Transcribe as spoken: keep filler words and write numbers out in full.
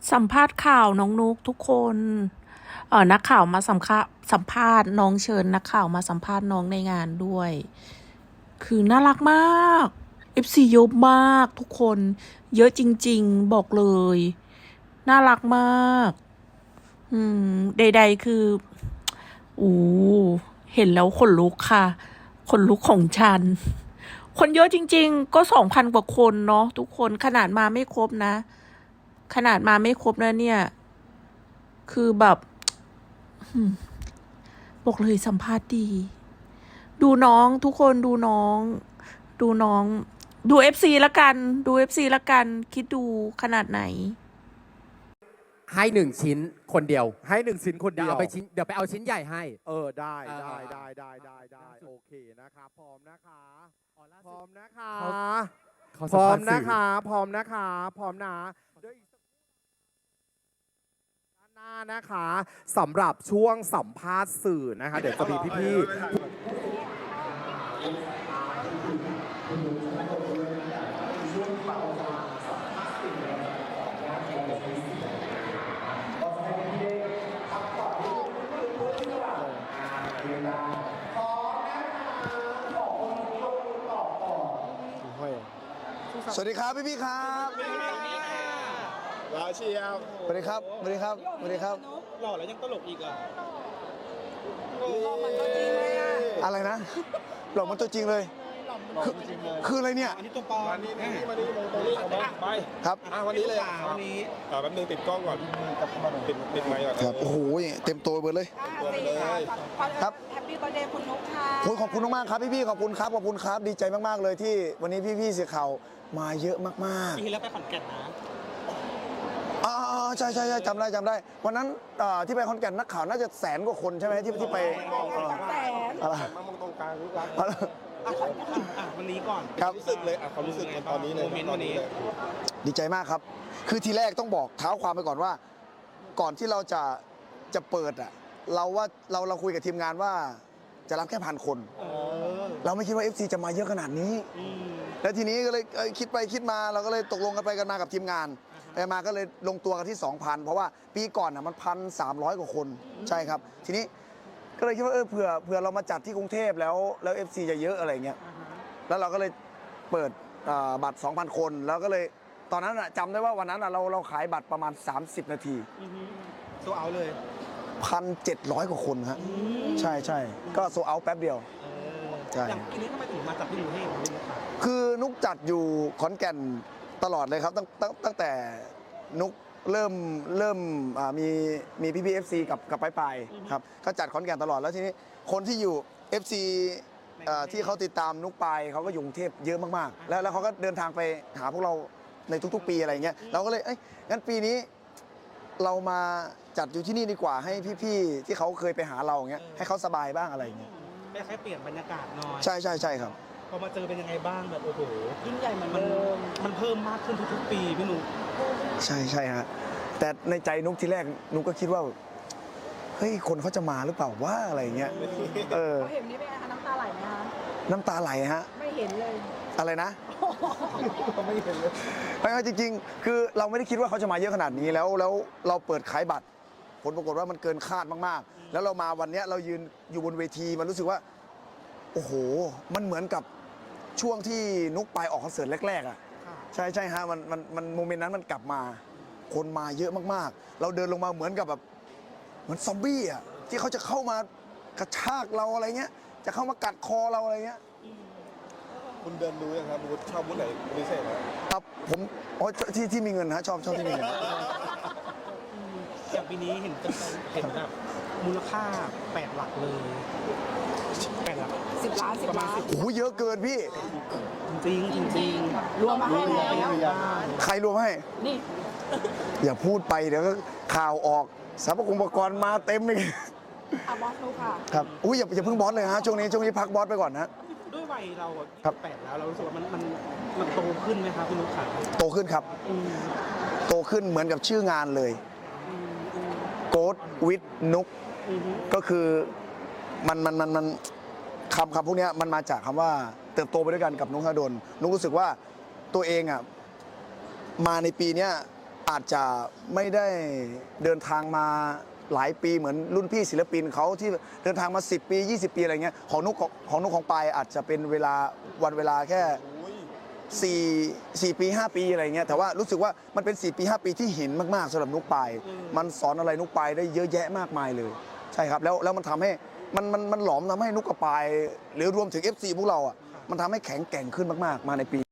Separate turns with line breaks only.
สัมภาษณ์ข่าวน้องนุกทุกคนเออนักข่าวมาสัมภาสัมภาษณ์น้องเชิญนักข่าวมาสัมภาษณ์น้องในงานด้วย คือน่ารักมาก เอฟ ซี เยอะมากทุกคน เยอะจริงๆบอกเลย น่ารักมาก อืมใดๆคืออู้เห็นแล้วขนลุกค่ะขนลุกของฉัน คนเยอะจริงๆ ก็สองพันกว่าคนเนาะทุกคนขนาดมาไม่ครบนะ ขนาดมาไม่ครบนะเนี่ย คือแบบบอกเลยสัมภาษณ์ดี ดูน้องทุกคนดูน้อง ดูน้อง ดูเอฟซีละกัน ดูเอฟซีละกัน คิดดูขนาดไหน
ให้หนึ่งชิ้นคนเดียว
ให้หนึ่งชิ้นคน
เดี๋ย
เดี
ว
ยว
เอาไปชิ้นเดี๋ยวไปเอาชิ้นใหญ่ให้
เออได้
เออ
ได้ได้ได้ได้ได้โอเคนะคะพร้อมนะคะพร้อมนะคะ
เขา
พร้อม
สั
นะ
ภาษณ์
คะพร้อมนะคะพร้อมนะเดี๋ยวอีกด้านหน้านะคะสำหรับช่วงสัมภาษณ์สื่อนะคะเดี๋ยวจะมีพี่ๆ
สวัสดีครับพี่พี่ครับ
ลาเชียว
สวัสดีครับสวัสดีครับสวัสดีครับ
หล่อแล้วยังตลกอีกอ่ะ
อะไรนะหลอกมันตัวจริงเลยคือคืออะไรเนี่ย
อันนี้ตัวปลอม
มานี่นี่มานี่มองตรงนี้เอามาไป
ครับ
อ่ะวันนี้เลย
วันนี้
อ่าแป๊บนึงติดกล้องก่อนติดติดไมค์ก่อน
ครับโอ้โหเต็มตัวเบิดเลย
ตัวไปเลย
ครับ
แฮปปี้เบอร์เดย์คุณนุ๊กค่ะ
โอ้ยขอบคุณมากๆครับพี่พี่ๆขอบคุณครับขอบคุณครับดีใจมากๆเลยที่วันนี้พี่พี่ๆสื่อข่าวมาเยอะมาก
ปีที่แล้วไปขอนแก่นนะ
ๆอ่าใช่ใช่ใช่จำได้จำได้ วันนั้นอ่าที่ไปขอนแก่นนักข่าวน่าจะแสนกว่าคนใช่ไหมที่ที่ไปเอ่อ
แสน
อะไร
มามองตรงกลางรู้รัก
อะไร
อ่ะอ่ะวันนี้ก่อน
ครับ
รู้สึกเลยอ่ะความรู้สึกตอนนี้เลย
โมเมนต์วันนี้
เลย
ดีใจมากครับ คือทีแรกต้องบอกเท้าความไปก่อนว่า ก่อนที่เราจะจะเปิดอ่ะ เราว่าเราเราคุยกับทีมงานว่าจะรับแค่พันคน
เออ
เราไม่คิดว่า เอฟ ซี จะมาเยอะขนาดนี้
อืม
แล้วทีนี้ก็เลยเอ้ยคิดไปคิดมาเราก็เลยตกลงกันไปกันมากับทีมงานไปมาก็เลยลงตัวกันที่ สองพัน เพราะว่าปีก่อนอ่ะมันพันสามร้อยกว่าคน ใช่ครับ ทีนี้ก็เลยคิดว่าเออเผื่อเผื่อเรามาจัดที่กรุงเทพแล้วแล้ว เอฟ ซี จะเยอะอะไรเงี้ย
อ่าฮะ
แล้วเราก็เลยเปิดอ่าบัตร สองพัน คน แล้วก็เลยตอนนั้นอะจำได้ว่าวันนั้นอะเราเราขายบัตรประมาณ สามสิบ นาที
อือฮึโซเอาเลย
หนึ่งพันเจ็ดร้อย กว่าคนฮะใช่ใช่ก็โซเอาแป๊บเดียว
เออ
ใช่
อย่างปีนี้ทำไมถึงมาจากที่กรุงเทพครับ
คือนุกจัดอยู่ขอนแก่นตลอดเลยครับตั้งตั้งตั้งแต่นุกเริ่มเริ่มอ่ามีมีพี่พีเอฟซีกับกับปลายปลายๆครับก็จัดขอนแก่นตลอดแล้วทีนี้คนที่อยู่ เอฟ ซี เอ่อที่เขาติดตามนุกปายเขาก็อยู่กรุงเทพเยอะมากๆ แล้วแล้วเขาก็เดินทางไปหาพวกเราในทุกๆ ปีอะไรเงี้ยเราก็เลยเอ้ยงั้นปีนี้เรามาจัดอยู่ที่นี่ดีกว่าให้พี่ๆที่เขาเคยไปหาเราอย่างเงี้ยให้เขาสบายบ้างอะไรเงี้ย
ไม่แค่เปลี่ยนบรรยากาศหน่อย
ใช่ใช่ใช่ครับ
พอมาเจอเป็นยังไงบ้างแบบโอ้โห
ยิ่งใหญ่เหมือน
มัน
เดิม
มันเพิ่มมากขึ้นทุกๆปีพี่หนุ่ม
ใช่ใช่ฮะแต่ในใจนุกทีแรกนุกก็คิดว่าเฮ้ยคนเขาจะมาหรือเปล่าว่าอะไรเงี้ยเออ
เขาเห็นนี่เป็นไงคะน้ำตาไหลไหมคะ
น้ำตาไหลฮะ
ไม่เห็นเลย
อะไรนะ ไม่เห็นเลยไม่จริงๆ คือเราไม่ได้คิดว่าเขาจะมาเยอะขนาดนี้แล้วแล้วเราเปิดขายบัตร ผลปรากฏว่ามันเกินคาดมากๆ แล้วเรามาวันเนี้ยเรายืนอยู่บนเวทีมันรู้สึกว่า โอ้โห มันเหมือนกับช่วงที่นุกไปออกคอนเสิร์ตแรกๆอ่ะ
ค่ะ
ใช่ใช่ฮะมันมันมันโมเมนต์นั้นมันกลับมา คนมาเยอะมากๆ เราเดินลงมาเหมือนกับแบบเหมือนซอมบี้อ่ะที่เขาจะเข้ามากระชากเราอะไรเงี้ย จะเข้ามากัดคอเราอะไรเงี้ย
คุณเดินดูยังครับบูธชอบบูธไหนพิเศษไหม
ครับผมอ๋อที่ที่มีเงินฮะชอบชอบที่มีเงิน
อืมอย่างปีนี้เห็นจะเห็นแบบมูลค่าแปดหลักเลยแปดหลัก
สิบล้านสิบ
ประมาณ
ล้าน
สิบ
โอ้โหเยอะเกินพี่
จริงจริงจริง
รวมมาให้แล้ว
ใครรวมให้
นี่
อย่าพูดไปเดี๋ยวก็ข่าวออกสรรพคุณอุปกรณ์มาเต็มเลย
อาบอสนุ๊กค่ะ
ครับอุ้ยอย่าอย่าเพิ่งบอสเลยฮะช่วงนี้ช่วงนี้พักบอสไปก่อนนะ
ด้วยวัยเราอะ
ครับ
แปดแล้วเรารู้สึกว่ามันมันมันโตขึ้นไหมครับพี่นุ๊กขา
โตขึ้นครับ
อืม
โตขึ้นเหมือนกับชื่องานเลย
อืมอืม
โกดวิดนุก
อืม
ก็คือมันมันมันมันคำคำพวกเนี้ยมันมาจากคำว่าเติบโตไปด้วยกันกับนุกธนดลนุกรู้สึกว่าตัวเองอ่ะมาในปีเนี้ยอาจจะไม่ได้เดินทางมาหลายปีเหมือนรุ่นพี่ศิลปินเขาที่เดินทางมาสิบปียี่สิบปีอะไรเงี้ยของนุกของนุกของปายอาจจะเป็นเวลาวันเวลาแค่สี่สี่ปีห้าปีอะไรเงี้ยแต่ว่ารู้สึกว่ามันเป็นสี่ปีห้าปีที่หินมากๆสำหรับนุกปายมันสอนอะไรนุกปายได้เยอะแยะมากมายเลยใช่ครับแล้วแล้วมันทำให้มันมันมันหลอมทำให้นุกกับปายหรือรวมถึง เอฟ ซี พวกเราอ่ะมันทำให้แข็งแกร่งขึ้นมากๆมาในปี